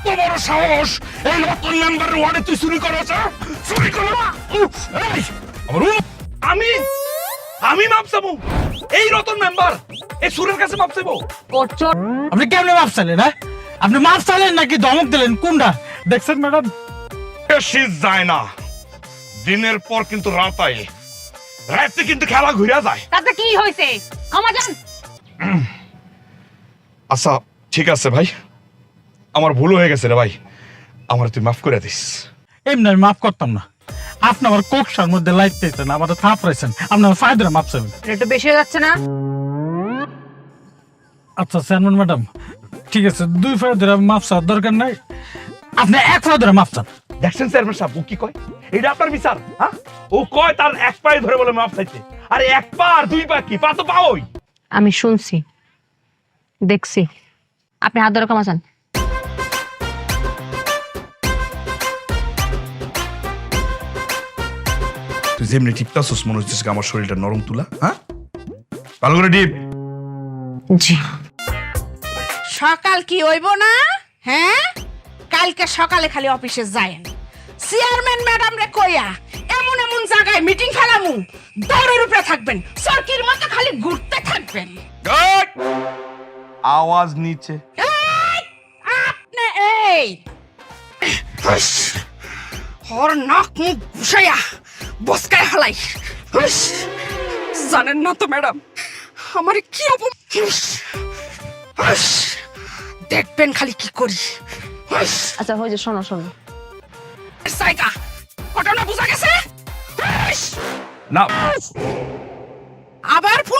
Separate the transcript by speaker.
Speaker 1: কত বড় সাহস এই রতন মেম্বারের ওয়ার্ডে তুই চুরি করছ? চুরি করো না। এই, আমার
Speaker 2: আমি আমি মাপ চাবো? এই রতন মেম্বার এই সুরের কাছে মাপ চাইবো?
Speaker 3: আপনি কেমনে মাপ চাইলেন? হ্যাঁ, আপনি মাপ চাইলেন নাকি ধমক দিলেন? কোনটা দেখছেন ম্যাডাম?
Speaker 1: বেশি যায় না, দিনের পর কিন্তু রাত আয়, রাতে কিন্তু খেলা ঘুরে যায়।
Speaker 4: তাতে কি হয়েছে? ক্ষমা চান।
Speaker 1: আচ্ছা ঠিক আছে ভাই, আমার ভুল হয়ে গেছে রে ভাই, আমার তুই মাফ করে দিস।
Speaker 3: এমনি আমি মাফ করতাম না। আপনি আমার কোকসার মধ্যে লাইট পেয়েছেন, আমাদের থাপ রয়েছেন, আপনি আমার ফায়দারে মাপ চাইবেন।
Speaker 4: একটু বেশি হয়ে যাচ্ছে না?
Speaker 3: আচ্ছা চেয়ারম্যান ম্যাডাম, ঠিক আছে, 2 ফায়দারে মাপ চাওয়ার দরকার নাই, আপনি 1 ফায়দারে মাপ চান।
Speaker 2: দেখছেন চেয়ারম্যান সাহেব ও কি কয়? এটা আপনার বিচার? হ্যাঁ, ও কয় তার এক পায়ে ধরে বলে মাপ চাইতে, আরে এক পা আর 2 পা কি, পা তো পাওই।
Speaker 4: আমি শুনছি, দেখছি, আপনি হাত ধরে ক্ষমা চান।
Speaker 1: তুই যেমনি টিপতাছিস মনে হচ্ছে আমার শরীরটা নরম তুলা। হ্যাঁ, ভালো করে টিপ।
Speaker 4: জি।
Speaker 5: সকাল কি হইব না? হ্যাঁ, কালকে সকালে খালি অফিসে যায়েন, চেয়ারম্যান ম্যাডাম রে কইয়া এমন এমন জায়গায় মিটিং ফেলামু, দৌড়ের উপরে থাকবেন, সরকির মতো খালি ঘুরতে থাকবেন।
Speaker 1: এই! আওয়াজ নিচে।
Speaker 5: এই, আপনি এই হর নাক মুখ ঘুষাইয়া বসকায় হলাই। জানেন না তো ম্যাডাম আমার কি দেখবেন খালি কি করি।
Speaker 4: আচ্ছা হয়েছে, শোনো শোনো,
Speaker 5: জায়গা ঘটনা বুঝা গেছে?
Speaker 1: না
Speaker 5: আবার